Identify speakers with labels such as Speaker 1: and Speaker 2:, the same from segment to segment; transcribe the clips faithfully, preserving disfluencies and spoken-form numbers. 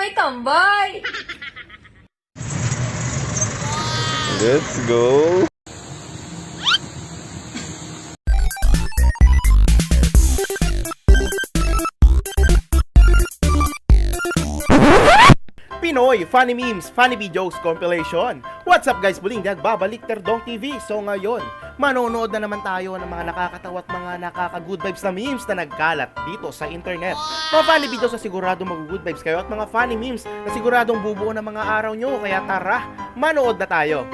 Speaker 1: Tambay, tambay!
Speaker 2: Let's go!
Speaker 3: Pinoy Funny Memes, Funny Videos Compilation. What's up guys? Muling nagbabalik Terdong T V. So ngayon, manonood na naman tayo ng mga nakakatawa at mga nakaka-good vibes na memes na nagkalat dito sa internet. Mga funny videos na siguradong mag-good vibes kayo at mga funny memes na siguradong bubuo ng mga araw nyo. Kaya tara, manood na tayo.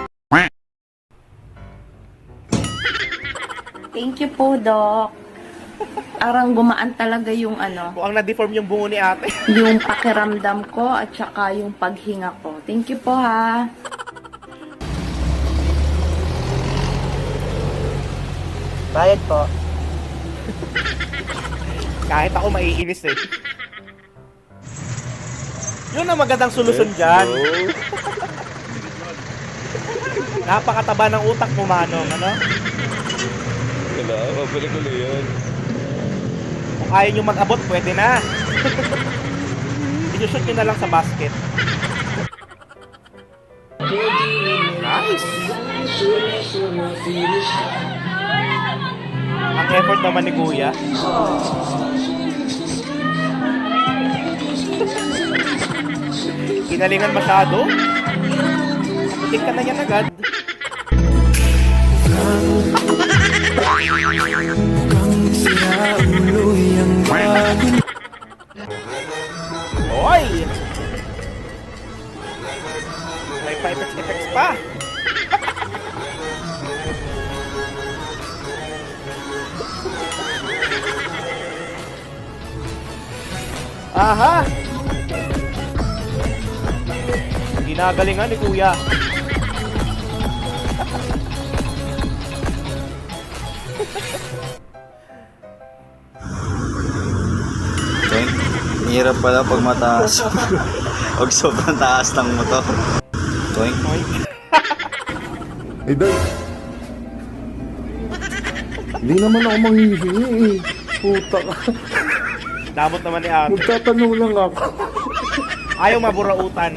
Speaker 4: Thank you po, Doc. Arang gumaan talaga yung ano,
Speaker 3: Mukhang na-deform yung bungo ni ate.
Speaker 4: yung pakiramdam ko at saka yung paghinga ko. Thank you po, ha.
Speaker 5: Bayad po.
Speaker 3: Kahit ako maiinis eh. Yun ang magandang solusyon dyan. Napakataba ng utak mo, Manong, ano?
Speaker 2: Wala, babalik ulit yan.
Speaker 3: Kung ayaw nyo mag-abot, pwede na. I-shoot nyo na lang sa basket. Nice! Ang effort naman ni Kuya. Kinalingan masyado. Kaputing ka na yan agad. Oy! May pa-effects-effects pa. Aha! Ginagalingan ni Kuya.
Speaker 6: Toink, hirap pala pag mataas. Pag sobrang taas ng motor. Toink.
Speaker 7: Eh, Day. Hindi naman ako manghihingi eh. Puta ka.
Speaker 3: Damot naman ni ate.
Speaker 7: Magtatanong lang ako.
Speaker 3: Ayaw maburautan.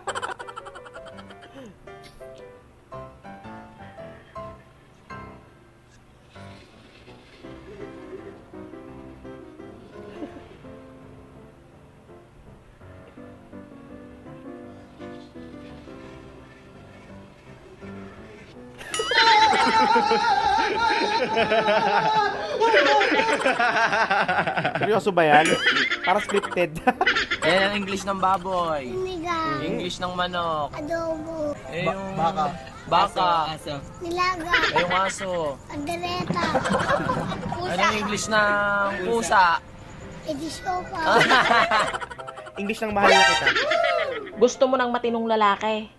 Speaker 3: Seryoso ba yan? Para scripted.
Speaker 5: Ayan ang English ng baboy. English ng manok.
Speaker 8: Adobo.
Speaker 5: Eh yung... Baka. Baka. Aso.
Speaker 8: Nilaga.
Speaker 5: Eh yung aso.
Speaker 8: Pandereta.
Speaker 5: Ano yung English ng pusa?
Speaker 8: Edisopa.
Speaker 3: English ng mahal na kita.
Speaker 9: Gusto mo ng matinong lalaki?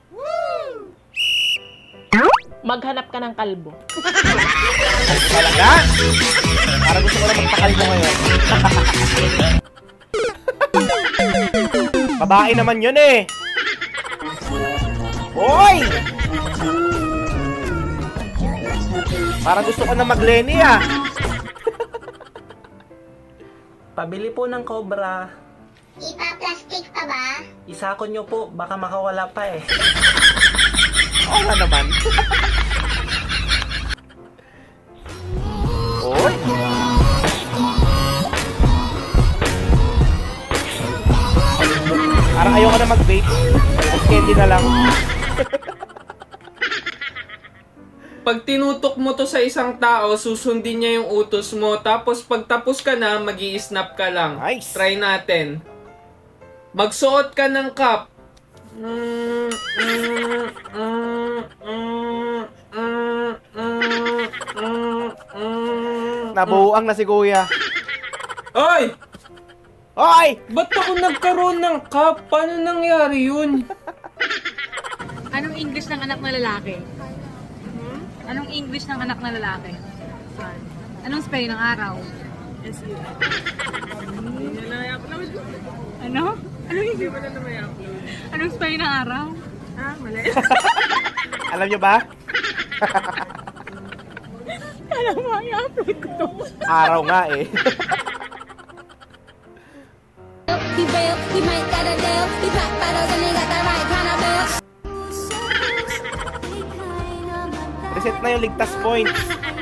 Speaker 9: Maghanap ka ng kalbo.
Speaker 3: Talaga? Para gusto ko na magtakal mo ngayon. Babae naman yun eh. Hoy! Para gusto ko na mag-Lenny ah.
Speaker 10: Pabili po ng cobra.
Speaker 8: Ipa-plastic pa ba?
Speaker 10: Isako nyo po, baka makawala pa eh.
Speaker 3: Oo nga naman. Hoy! Parang ayaw ka na mag-vape. Mas candy na lang.
Speaker 11: Pag tinutok mo to sa isang tao, susundin niya yung utos mo. Tapos pag tapos ka na, magi-snap ka lang.
Speaker 3: Nice.
Speaker 11: Try natin. Magsuot ka ng cup. Mm, mm, mm, mm, mm, mm, mm, mm.
Speaker 3: Nabuang na si Kuya.
Speaker 11: Oy!
Speaker 3: Hoy!
Speaker 11: Ba't ako nagkaroon ng cup? Paano nangyari yun?
Speaker 1: Anong English ng anak na lalaki? Anong English ng anak na lalaki? Anong spelling ng araw? S U Ano? Anong English? Anong spelling ng araw? Ah, mali.
Speaker 3: Alam nyo ba?
Speaker 1: Alam mo, i-upload ko to.
Speaker 3: Araw nga eh.
Speaker 8: Diba real. He might got a deal. He pop bottles and he got the right kind of bill.
Speaker 3: Reset na yung ligtas points.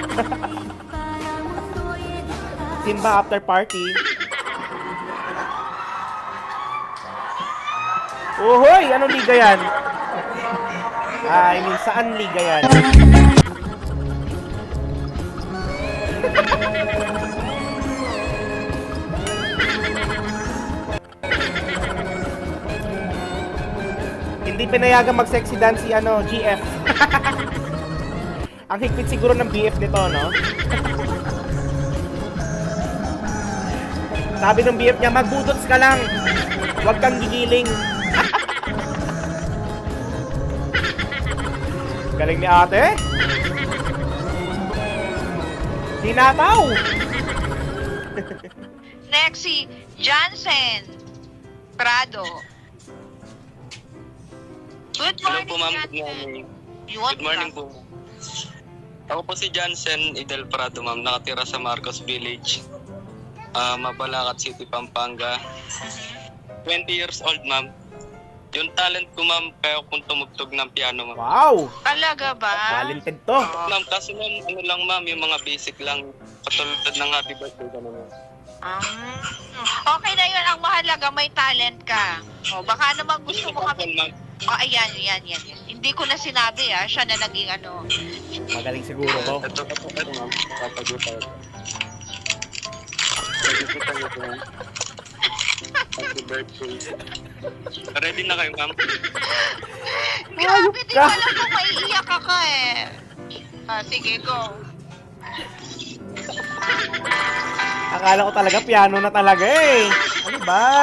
Speaker 3: Simba after party. Uhoy! Anong liga yan? Ah, I mean, saan liga yan? Hindi pinayagan mag-sexy dance si ano, G F. Ang higpit siguro ng B F nito, no? Sabi ng B F niya, magbudots ka lang. Huwag kang gigiling. Galing ni ate. Tinataw.
Speaker 1: Next si Johnson Prado. Good
Speaker 12: Hello
Speaker 1: morning,
Speaker 12: po, ma'am. Good
Speaker 1: Johnson.
Speaker 12: morning.
Speaker 1: You want
Speaker 12: Good morning po. Ako po si Johnson Idel Prado, ma'am. Nakatira sa Marcos Village, uh, Mabalacat City, Pampanga. twenty years old, ma'am. Yung talent ko, ma'am, kaya kung tumugtog ng piano, ma'am.
Speaker 3: Wow!
Speaker 1: Talaga ba?
Speaker 3: Talented to.
Speaker 12: Ma'am, kasi ma'am, ano lang, ma'am, yung mga basic lang, katulad ng happy birthday, gano'n, ma'am.
Speaker 1: Um, okay na yun. Ang mahalaga, may talent ka. O, baka naman gusto mo kami...
Speaker 12: Ma'am,
Speaker 1: Oh, ayan, yan, yan, yan. Hindi ko na sinabi, ah. Siya na naging ano.
Speaker 3: Magaling siguro to.
Speaker 12: ito pa po, ito, ma'am. Papagutan. Papagutan niyo po, ma'am. Happy birthday. Ready na kayo, ma'am?
Speaker 1: Grabe, di
Speaker 3: ka.
Speaker 1: ko alam kung maiiyak ka ka eh. Ah, sige, go.
Speaker 3: Akala ko talaga piano na talaga eh. Ano ba?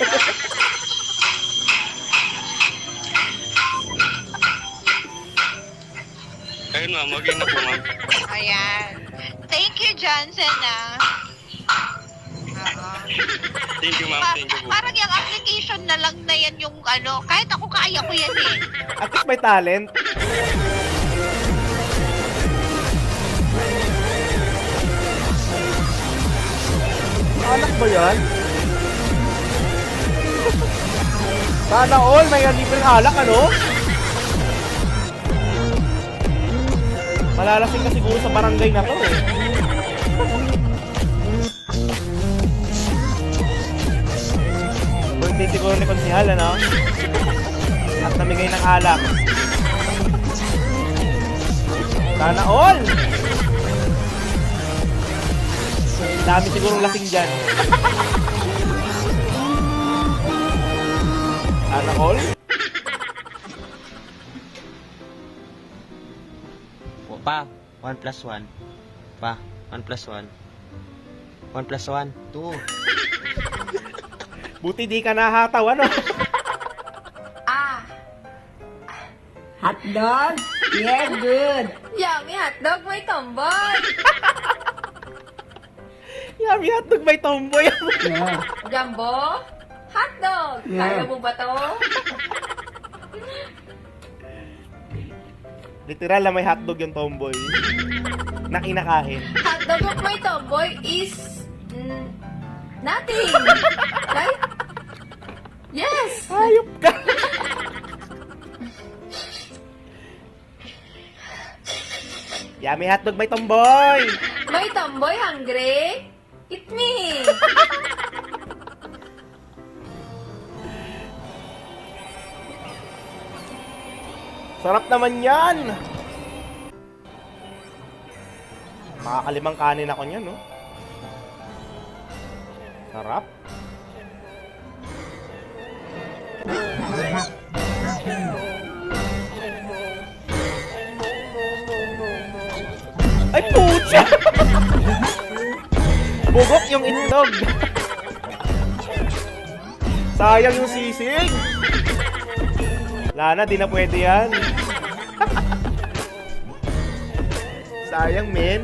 Speaker 12: Ayun, ma'am. Okay na po, ma'am.
Speaker 1: Ayan. Thank you, Johnson, ah. Oo.
Speaker 12: Thank you, ma'am.
Speaker 1: Pa-
Speaker 12: Thank you po.
Speaker 1: parang yung application na lang na yan yung ano, kahit ako kaya ko yan eh.
Speaker 3: At least may talent. Anak ba yan? Sana all may libreng alak, ano? Malalasing ka siguro sa barangay na to eh. Birthday siguro ni Konsihal, ano? At namigay ng alak. Sana all! Dami sigurong lasing dyan. Sana all?
Speaker 5: Pa, one plus one. Pa, one plus one. one plus one, two.
Speaker 3: Buti di ka nahataw, ano?
Speaker 4: Ah. Hotdog? Yeah, good. Yummy hotdog, may tomboy.
Speaker 3: Yummy hotdog, may tomboy.
Speaker 7: Yeah.
Speaker 4: Jumbo? Hotdog.
Speaker 7: Yeah.
Speaker 4: Kaya mo ba to?
Speaker 3: Literal na may hotdog yung tomboy. Na kinakain.
Speaker 4: Hotdog of my tomboy is mm, nothing. Right? Yes.
Speaker 3: Hayop ka. Yummy hotdog, may tomboy.
Speaker 4: My tomboy hungry? Eat me.
Speaker 3: Sarap naman yan. Makakalimang kanin ako niyan, no? Sarap. Ay, pucha! Bugok yung itlog. Sayang yung sisig. Lana, di na pwede yan. Sayang, men.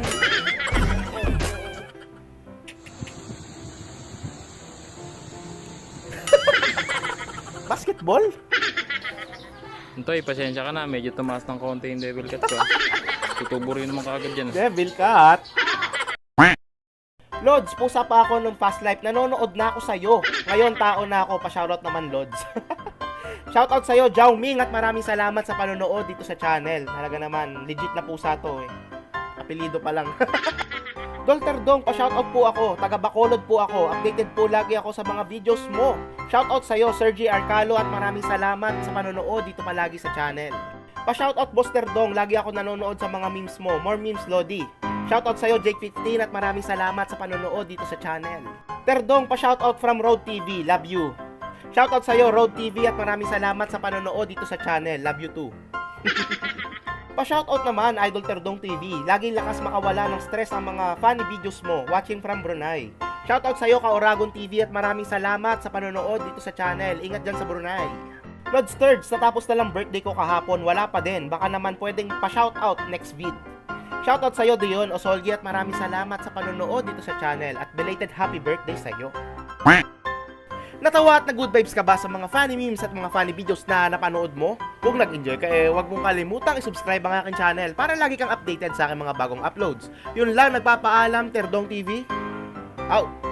Speaker 3: Basketball?
Speaker 11: Antoy, pasensya ka na. Medyo tumaas ng konti yung devil cat ko. Tutubo rin naman kaagad yan.
Speaker 3: Devil cat. Lods, pusa pa ako nung past life. Nanonood na ako sa'yo. Ngayon, tao na ako. Pa-shoutout naman, Lods. Shoutout sa'yo, Jao Ming, at maraming salamat sa panonood dito sa channel. Talaga naman, legit na pusa to eh. Apelido pa lang. Dolter Dong, pa-shoutout po ako. Taga Bacolod po ako. Updated po lagi ako sa mga videos mo. Shoutout sa'yo, Sergi Arcalo, at maraming salamat sa panonood dito palagi sa channel. Pa-shoutout Buster Dong, lagi ako nanonood sa mga memes mo. More memes, Lodi. Shoutout sa'yo, Jake fifteen, at maraming salamat sa panonood dito sa channel. Terdong, pa-shoutout from Road T V, love you. Shoutout sa'yo, Road T V, at maraming salamat sa panonood dito sa channel, love you too. Pa-shoutout naman, Idol Terdong T V, laging lakas makawala ng stress ang mga funny videos mo, watching from Brunei. Shoutout sa'yo, Ka-Oragon T V, at maraming salamat sa panonood dito sa channel, ingat dyan sa Brunei. Lods Thirds, natapos na lang birthday ko kahapon, wala pa din, baka naman pwedeng pa-shoutout next vid. Shoutout sa'yo, Dion Osolgi, at maraming salamat sa panonood dito sa channel at belated happy birthday sa'yo. Natawa at nag-good vibes ka ba sa mga funny memes at mga funny videos na napanood mo? Kung nag-enjoy ka eh, huwag mong kalimutang i-subscribe ang aking channel para lagi kang updated sa aking mga bagong uploads. Yun lang, nagpapaalam, Terdong T V. Out!